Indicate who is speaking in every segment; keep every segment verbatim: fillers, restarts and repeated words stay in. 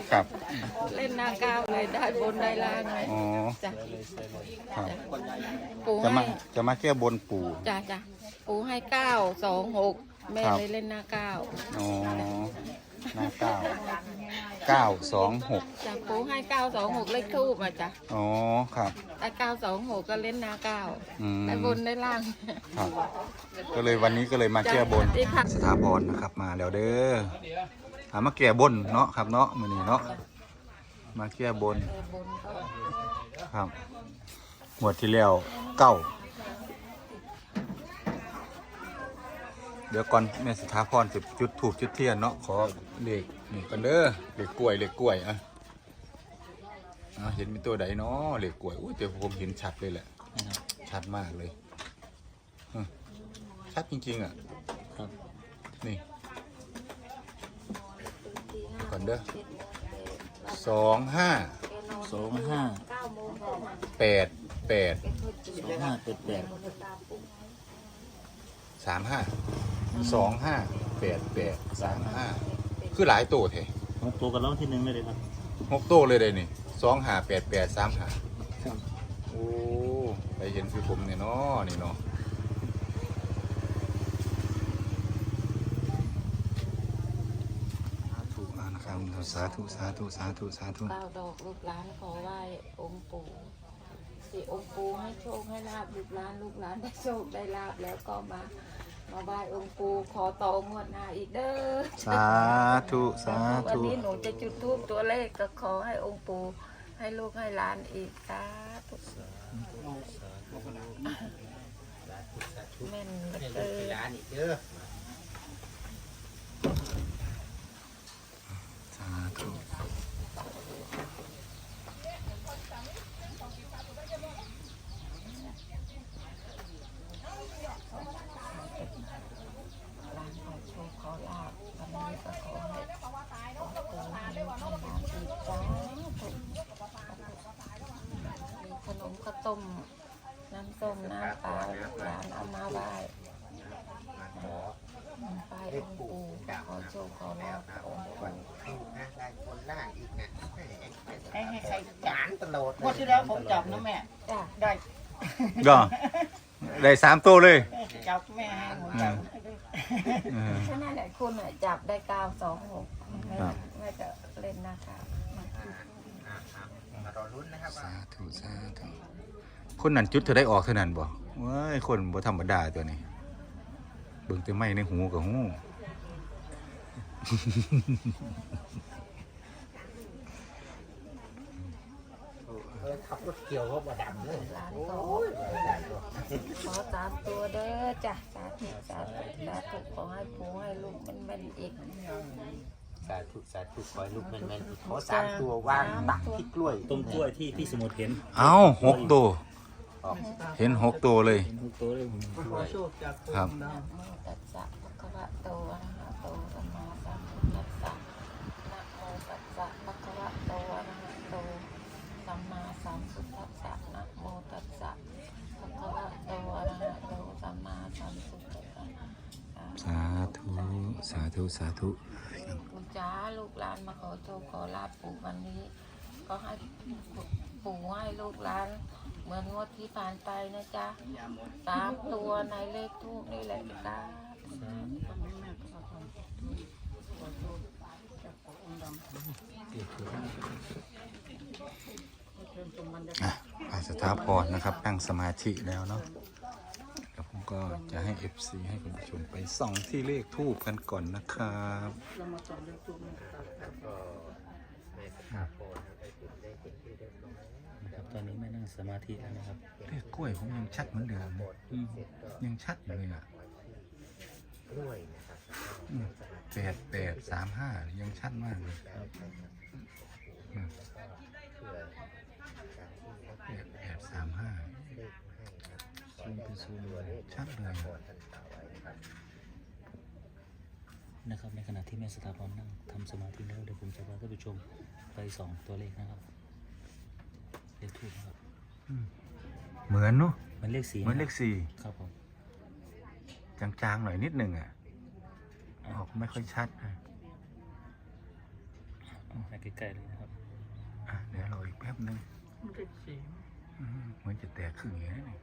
Speaker 1: ครับ
Speaker 2: เล่นหน้าก้าวเลยได้บนได้ล่างเลย
Speaker 1: อ๋อ
Speaker 2: จ้ะ
Speaker 1: ครับ
Speaker 2: ปู
Speaker 1: จะมา
Speaker 2: ให้
Speaker 1: จะมาแก้บนปู่
Speaker 2: จ้ะจ้ะปูให้เก้าสองหกแม่เลยเล่นหน้าก้าว
Speaker 1: อ๋อหน้าเก้าเก้าสองหก
Speaker 2: จ้ะปูให้เก้าสองหกเลขทูบมาจ้ะ
Speaker 1: อ๋อครับ
Speaker 2: แต่เก้าสองหกก็เล่นหน้าก้าว
Speaker 1: อืม
Speaker 2: ได้บนได้ล่าง
Speaker 1: ครับก็เลยวันนี้ก็เลยมาแก้บนสถาพรนะครับมาแล้วเด้อหามาแก้บนเนาะครับเนาะมื้อนี้เนาะมาแก้บนครับหมวดที่แล้วเก้าเดี๋ยวก่อนแม่สถาพรจะจุดถูกจุดเทียนเนาะขอเลขนี่กันเด้อเลขกล้วยเลขกล้วยอ่ะเห็นมีตัวใดเนาะเลขกล้วยอุ้ยแต่ผมเห็นชัดเลยแหละชัดมากเลยชัดจริงๆอ่ะครับนี่ก่อนเด้อสองห้า
Speaker 3: สองห้า
Speaker 1: แปดแปด
Speaker 3: สองห้าแปดแปด
Speaker 1: สามห้าสองห้าแปดแปดสามห้าคือหลายตัวเถอะ
Speaker 3: หกตัวกันแล้วที่หนึ่งเลยครับ
Speaker 1: หกตัวเลยเลยนี่สองห้าแปดแปดสามห้าโอ้ไปเห็นคือผมเนี่ยเนาะนี่เนาะถูกนะครับสาธุสาธุสาธุสาธุ
Speaker 2: เก้าดอกลูกหลานขอไหว้องค์ปู่สิองค์ปู่ให้โชคให้ลาบลูกหลานลูกหลานได้โชคได้ลาบแล้วก็มามาไหว้องค์ปู่ขอต่องวดหน้าอีกเด้อ
Speaker 1: สาธุสาธุ
Speaker 2: วันนี้หนูจะจุดธูปตัวเลขก็ขอให้องค์ปู่ให้ลูกให้หลานอีกสาธุแม่นเด้อหลานอีกเด้อ
Speaker 1: สาธุ
Speaker 2: ขนมข้าวต้มน้ำส้มน้ำปลาหลานเอามาไหว้ไปองค์ปู่ขอโชคขอลาภองค์ปู่
Speaker 4: ได้คนล่างอีกนะ
Speaker 5: ให้ให้ใครจาน
Speaker 4: ตลอด
Speaker 5: งวดที่แล้วผมจับนะแม่ได้
Speaker 1: ก็ได้สามตัวเลย
Speaker 5: จับแม่ให้หนูจับ
Speaker 2: ฉะนั้นแหละคุณจับได้เก้าสองหกแม่จะเล่นนะคะ
Speaker 4: มารอลุ้นนะครับ
Speaker 1: สาธุสาธุคนนั้นจุดเธอได้ออกเท่านั้นบ่ว้ายคนบ่ธรรมดาตัวนี้เบิ่งแต่ไม้ในหูกับหู
Speaker 4: ขับรถเกี่ยวเขาบ่ดำเลย
Speaker 2: ขอสามตัวเด้อจ้ะสาธุสาธุสาธุขอให้ปู่ให้ลูกมันมันอีก
Speaker 4: สาธุสาธุขอให้ลูกแม่นๆขอสามตัววางตักที่กล้วย
Speaker 3: ต้นกล้วยที่พี่สมุทรเห็น
Speaker 1: เอ้าหกตัวเห็นหกตัวเลย
Speaker 3: หกตัวเลย
Speaker 1: ครับ
Speaker 2: ตัสสะภะคะวะโตอะระหะโตสัมมาสัมพุทธัสสะนะโมตัสสะภะคะวะโตอะระหะโตสัมมาสัมพุทธัสสะนะโมตัสสะภะคะวะโตอะระหะโตสัมมาสัมพุทธัสสะ
Speaker 1: สาธุสาธุสาธุ
Speaker 2: คุณจ้าลูกหลานมาขอโชคขอลาภปู่วันนี้ก็ให้ปู่ให้ลูกหลานเหมือนงวดที่ผ่านไปนะจ๊ะสามตัวในเลขทูปนี่แหละจ้า
Speaker 1: อ่ะไปสถาพรนะครับนั่งสมาธิแล้วเนาะเดี๋ยวผมก็จะให้ เอฟ ซี ให้คุณผู้ชมไปส่องที่เลขทูปกันก่อนนะครับ
Speaker 3: ตอนนี้ไม่นั่งสมาธิแล้วนะครับ
Speaker 1: เลขกล้วยผมยังชัดเหมือนเดิมยังชัดอยู่เลยอ่ะแปดแปดสามห้ายังชัดมากเลยแปดแปดสามห้า
Speaker 3: ซูมเป็นซูม
Speaker 1: ชัดเลย
Speaker 3: นะครับในขณะที่แม่สถาพรนั่งทำสมาธิแล้วเดี๋ยวผมจะพาท่านผู้ชมไปสองตัวเลขนะครับเลขทูปนะครับ
Speaker 1: เหมือนเนาะ
Speaker 3: เหมือนเลขสี่
Speaker 1: เหมือนเลขสี่
Speaker 3: ครับผม
Speaker 1: จางๆหน่อยนิดหนึ่งอ่ะออกไม่ค่อยชัดนะ
Speaker 3: ให้ใกล้ๆเลยนะครับ
Speaker 1: อ่ะเดี๋ยวเราอีกแป๊บนึง
Speaker 5: มันเป็นสี
Speaker 1: อืมเหมือนจะแตกครึ่งอย่างนี้นี่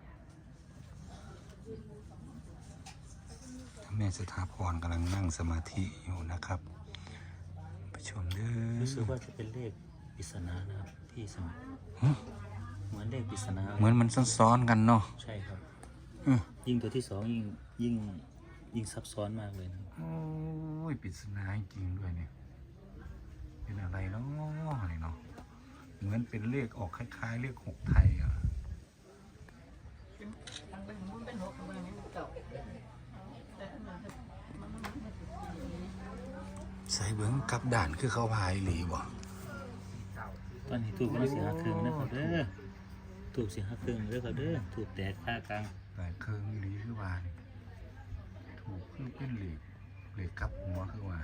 Speaker 1: แม่สถาพรกำลังนั่งสมาธิอยู่นะครับไปชมเด้อ
Speaker 3: รู้สึกว่าจะเป็นเลขปริศนานะครับพี่สม
Speaker 1: ฮะ
Speaker 3: เหมือนเลขปริศนา
Speaker 1: เหมือนมันซ้อนๆกันเนาะ
Speaker 3: ใช่ครับ
Speaker 1: อืม
Speaker 3: ยิ่งตัวที่สองยิ่งยิ่งยิ่งซับซ้อนมากเลยนะครับ
Speaker 1: โอ้ยปริศนาจริงๆด้วยเนี่ยเป็นอะไรเนาะอะไรเนาะเหมือนเป็นเลขออกคล้ายๆเลขหกไทยอ่ะ
Speaker 5: ทางเป็นมันเป็นหกทางเป็นมันเก่าแต่อันนั้นมันมันไม่ถูก
Speaker 1: ใส่เบิ้งกลับด่านคือเขาพายหลีบ่
Speaker 3: ตอนนี้ถูกกันสีห้าครึ่งนะครับเด้อถูกสีห้าครึ่งเด้อครับเด้อถูกแตกค่ากลาง
Speaker 1: หลายเครื่องหลีคือว่านี่ถูกคือเป็นเหล็กเหล็กกลับหัวคือว่า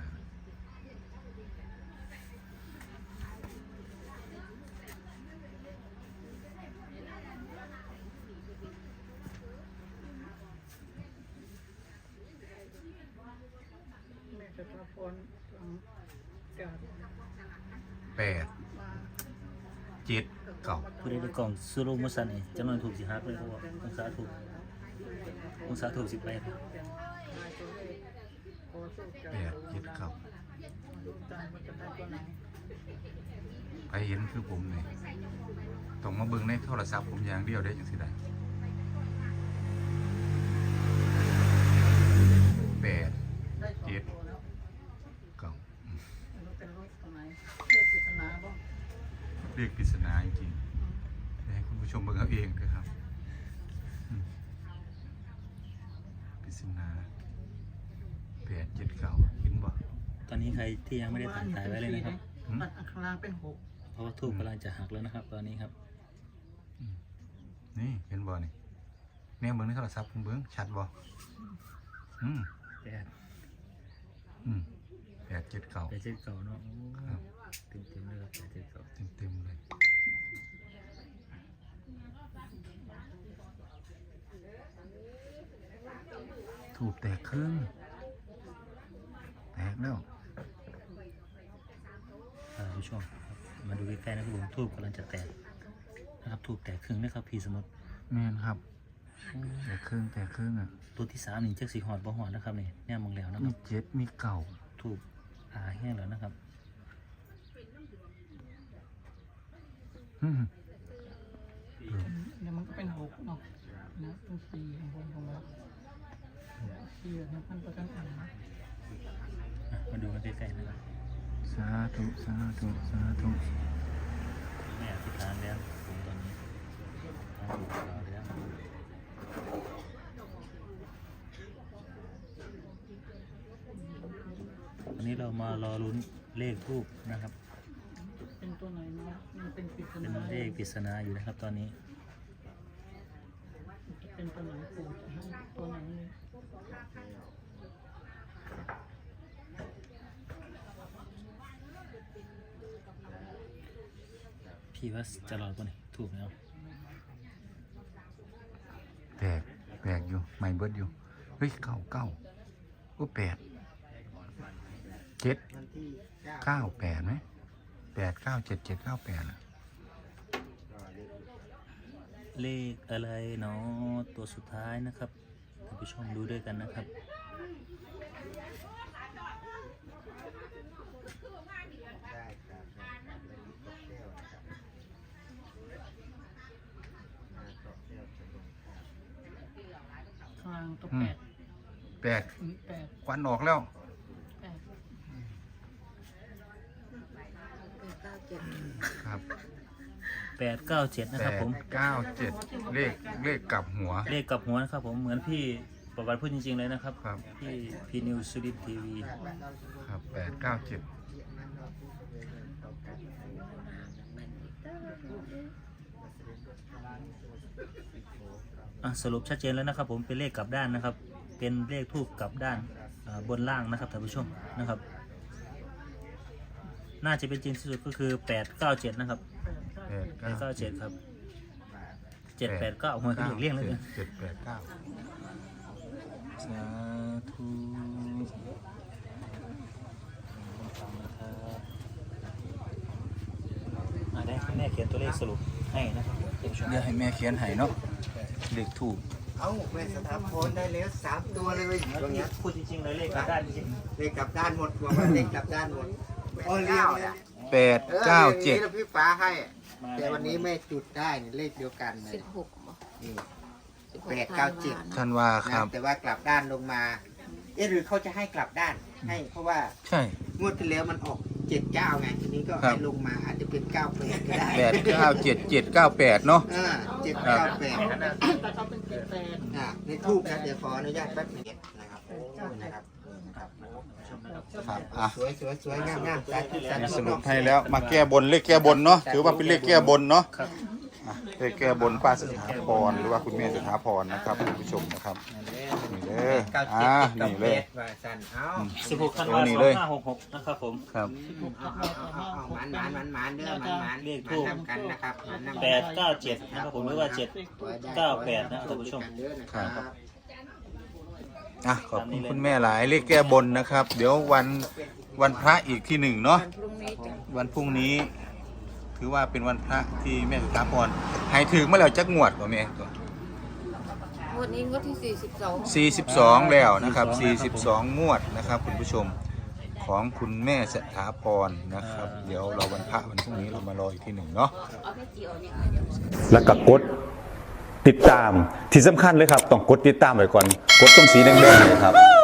Speaker 5: แม่จะพาพรหลังการ
Speaker 1: แปดเจ็ดเก้า
Speaker 3: ผู้ใดได้กล่องซูโรมุสันนี่จำนวนถูกสิฮักเลยเขาบอกองศาถูกองศาถูกสิบแปด
Speaker 5: นายตัวเลขโคสุก
Speaker 1: แปดเจ็ดเก้า
Speaker 5: ดูตามมันจะได้ตัวไหน
Speaker 1: ไปเห็นคือผมเลยต้องมาเบิ่งในโทรศัพท์ผมอย่างเดียวได้จังสิได้แปด
Speaker 5: ได้สอง
Speaker 1: เจ็ด
Speaker 5: ตัวแล้ว
Speaker 1: เก้า
Speaker 5: ไม่รู้เป็นรูปตัวไหนเลือกปริศนาบ้าง
Speaker 1: เรียกปริศนาจริงๆให้คุณผู้ชมเบิ่งเอาเองด้วยครับอืมปริศนาแปดเจ็ดเก้าเห็นบ่
Speaker 3: ตอนนี้ใครที่ยังไม่ได้ถ่ายถ่ายไว้เลยนะครับ
Speaker 5: มันข้างล่างเป็นหก
Speaker 3: เพราะว่าทูบกำลังจะหักแล้วนะครับ ตอนนี้ครับ
Speaker 1: นี่เห็นบ่นี่เนี่ยเบิ่งในโทรศัพท์ผมเบิ่งชัดบ่อืม
Speaker 3: แปด
Speaker 1: อืมแปดเจ็ดเก้า
Speaker 3: แปดเจ็ดเก่าเนาะโอ้
Speaker 1: ครับ
Speaker 3: เต็มเต็มๆเลยครับแปดเจ็ดเก่า
Speaker 1: เต็มเต็มๆเลยถูกแตกครึ่งแตกแล้ว
Speaker 3: อ่าผู้ชมครับมาดูใกล้ๆนะครับผมทูบกำลังจะแตกนะครับทูบแตกครึ่งนะครับพี่สมุทร
Speaker 1: แม่นครับแตกครึ่งแตกครึ่งอ่ะ
Speaker 3: ตัวที่สามนี่เจ็กสีหอดบ่หอดนะครับนี่เนี่ยมองแล้วนะค
Speaker 1: มี
Speaker 3: รับ
Speaker 1: เจ็ดมีเก่า
Speaker 3: ทูบอ่าแห้งแล้วนะครับ
Speaker 1: อืม
Speaker 5: เดี๋ยวมันก็เป็นหกเนาะนะเป็นสี่ของผมของเราสี่นะพันประกันอ่าน
Speaker 3: อ่ะมาดูกันใกล้ๆนะครับ
Speaker 1: สาธุสาธุสาธุ
Speaker 3: แม่อธิษฐานแล้วผมตอนนี้ทางถูกข่าวแล้ววันนี้เรามารอลุ้นเลขทูบนะครับ
Speaker 5: เป็นตัวไหนเนาะมันเป็นปริศ
Speaker 3: เป็น
Speaker 5: นา
Speaker 3: เลขปริศนาอยู่นะครับ ตอนนี้
Speaker 5: เป็นตัวไหนปู่จะให้ตัวไหนเลย
Speaker 3: พี่ว่าจะรอดป่ะนี่ถูกไหมครับ
Speaker 1: แตกแตกอยู่ไม่เบิดอยู่เฮ้ยเก้าเก้าโอ้แปดเจ็ดเก้าแปดไหมแปดเก้าเจ็ดเจ็ดเก้าแปดอ่ะ
Speaker 3: เลขอะไรเนาะตัวสุดท้ายนะครับท่านผู้ชมดูด้วยกันนะครับ
Speaker 5: ข้างล่างตัว
Speaker 1: อื
Speaker 5: แป
Speaker 1: ม
Speaker 5: ด
Speaker 1: แปด
Speaker 5: อืมแปด
Speaker 1: ควันออกแล้ว
Speaker 5: แปด
Speaker 2: เก้าเจ็ด
Speaker 1: ครับ
Speaker 3: แปดเก้าเจ็ดนะ
Speaker 1: แป
Speaker 3: ครับ
Speaker 1: ด
Speaker 3: ผม
Speaker 1: เก้าเจ็ดเลขเลขกลับหัว
Speaker 3: เลขกับหัวนะครับผมเหมือนพี่ประวัติพูดจริงๆเลยนะครับ
Speaker 1: ครับ
Speaker 3: พี่พีนิวสุรินทร์ทีวี
Speaker 1: ครับแปดเก้าเจ็ด
Speaker 3: อ่ะสรุปชัดเจนแล้วนะครับ ผมเป็นเลขกลับด้านนะครับ เป็นเลขทูบกลับด้านอ่าบนล่างนะครับท่านผู้ชมนะครับ น่าจะเป็นจริงที่สุดก็คือแปดเก้าเจ็ดนะครับ
Speaker 1: แปด
Speaker 3: แปด
Speaker 1: เก้า
Speaker 3: เก้า
Speaker 1: เจ็
Speaker 3: เจ็
Speaker 1: ด
Speaker 3: ดครับเจ็ดแปดเก้าหัวขึ้นอีกเรียงเลย
Speaker 1: เจ็ดแปดเก้าสาธุ
Speaker 3: ฟังนะครับม่เขียนตัวเลขสรุปให้นะครับท่านผู้ชม
Speaker 1: เดี๋ยวให้แม่เขียนให้เนาะเลขถูก
Speaker 4: เอ้าแม่สถาพรได้แล้วสามตัวเลยตรงเนี้ย
Speaker 3: พูดจริงๆเลยเลขกลับด้านจริง
Speaker 4: เลขกลับด้านหมดตัวมันเลขกลับด้านหมดโอ้เลี้ยงเนี่ย
Speaker 1: แปดเก้าเจ็ด
Speaker 4: ออพี่ฟ้าให้ แต่วันนี้แม่จุดได้นี่เลขเดียวกันเลย
Speaker 2: สิบหกบ่
Speaker 4: นี่
Speaker 2: สิบหก
Speaker 4: แปดเก้าเจ็ด
Speaker 1: ท่านว่าครับ
Speaker 4: แต่ว่ากลับด้านลงมา เอ๊ะหรือเขาจะให้กลับด้านให้เพราะว่า
Speaker 1: ใช่
Speaker 4: งวดที่แล้วมันออกเจ็ดเก้าไงทีนี้ก็
Speaker 1: ครั
Speaker 4: ให้
Speaker 1: บ
Speaker 4: ลงมาอาจจะเป็นเก้าแปดก็ได้
Speaker 1: แปดเก้าเจ็ดเจ็ดเก้าแปดเนาะ
Speaker 4: อ่าเจ็ดเก้าแปด
Speaker 5: แต่เขาเป็นเจ็ดแปด
Speaker 4: อ่าในทูบนะเดี๋ยวขออนุญาตแป๊บหนึงนะครับโอ้นะครับครับ
Speaker 1: ครับอ่ะ
Speaker 4: สวยสวยสวยงามงามสาธุสาธุ
Speaker 1: สรุปให้แล้วมาแก้บนเลขแก้บนเนาะถือว่าเป็นเลขแก้บนเนาะอ่ะเลขแก้บนป้าสถาพรหรือว่าคุณแม่สถาพรนะครับคุณผู้ชมนะครับนี่เด้อ
Speaker 4: เก้าเจ็ด
Speaker 1: อ่า
Speaker 4: เก้า
Speaker 1: นี่
Speaker 4: แป
Speaker 1: เลย
Speaker 4: ดว่าสันเอ้า
Speaker 3: สิบหกธันวาคม
Speaker 1: นี่
Speaker 3: สอ
Speaker 1: เลย
Speaker 3: งห้าหกหกนะครับผม
Speaker 1: ครับ
Speaker 4: เอาเอาเอาเอาหมันหมันหมันหมันเด้อหมันหมัน
Speaker 3: เลข
Speaker 4: ห
Speaker 3: ทู
Speaker 4: มัน
Speaker 3: บ
Speaker 4: นำกันนะครับหมันนำกัน
Speaker 3: แปดเก้าเจ็ดนะครับผมหรือว่าเจ็ด เก้าแปดนะท่านผู้ชม
Speaker 4: ครับ
Speaker 1: อ่ะขอบคุณคุณแม่หลายเลขแก้บนนะครับ เดี๋ยววันวันพระอีกที่หนึ่งเนาะ
Speaker 2: วันพรุ่งนี้จ้ะ
Speaker 1: วันพรุ่งนี้ถือว่าเป็นวันพระที่แม่สถาพรให้ถึงเมื่อแล้วจักงวดกว่าแม่ตัว
Speaker 2: งวดนี้งวดที่สี่สิบสอง
Speaker 1: สี่สิบสองแล้วนะครับสี่สิบสองงวดนะครับคุณผู้ชมของคุณแม่สถาพรนะครับ เดี๋ยวเราวันพระวันพรุ่งนี้เรามารออีกที่หนึ่งเนาะ
Speaker 2: เอาแค่เจียวเนี่ยเดี๋ยว
Speaker 6: แล้วก็กดติดตามที่สำคัญเลยครับ ต้องกดติดตามไว้ก่อน กดตรงสีแดงๆเนยครับ